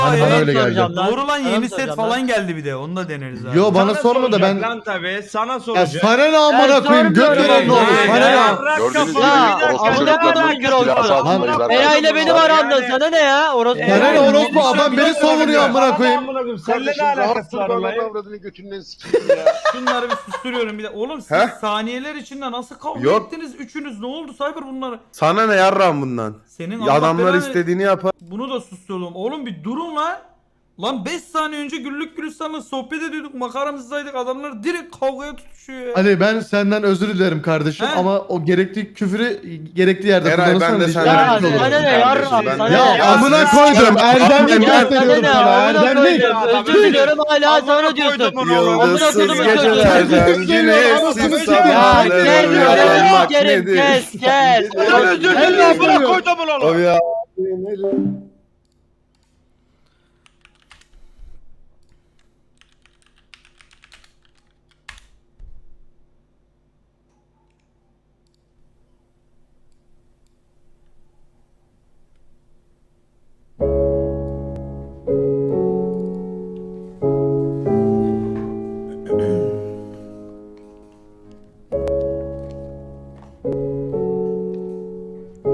Hani bana öyle geldi. soracağım lan. Doğru lan, Sana yeni mı set soracağım falan lan? geldi bir de. Onu da deneriz abi. Yo bana Sana sorma da soracak ben... Lan tabii sana Ya soracak. sana ne amına koyayım göt sormuyorum veren ne olur oğlum. sana ne? Yarrak Gördünüz mü? kafalı Ya, bir dakika, amına ne koydum alakası Gürol var? sana. Amına koydum. Ela ile benim aramda sana ne ya? Orası Sana ne orospu Oğlum, adam beni savunuyor amına koyayım. Seninle ne alakası var Kardeşim olayın? avradını götünden sikeyim ya. Şunları bir susturuyorum bir de. Oğlum siz Heh. saniyeler içinde nasıl kavga Yok. ettiniz üçünüz? Ne oldu Cyber bunları? Sana ne yarram bundan? Senin Allah Adamlar belanı- istediğini yapar. Bunu da susturdum. Oğlum bir durun lan. Lan 5 saniye önce güllük gülistanla sohbet ediyorduk. Makaramızdaydık. Adamlar direkt kavgaya tutuşuyor ya. Ali ben senden özür dilerim kardeşim He? ama o gerekli küfürü gerekli yerde Eray, ben kullanırsan de rica senden Ya ederim. özür sana dilerim ne kardeşim, yarram ben sana de- ne Ya amına koydum erdemlik Ya sana gösteriyorum ne sana amına erdemlik. koydum. Özür diliyorum hala sana diyorsun. Yıldızsız kodumun çocuğu. gecelerden Özür diliyorum, güneşsiz anasını Ya sabahlara gel uyanmak gel nedir? gel gel. Özür dilerim, bırak koydumun oğlum. O ya.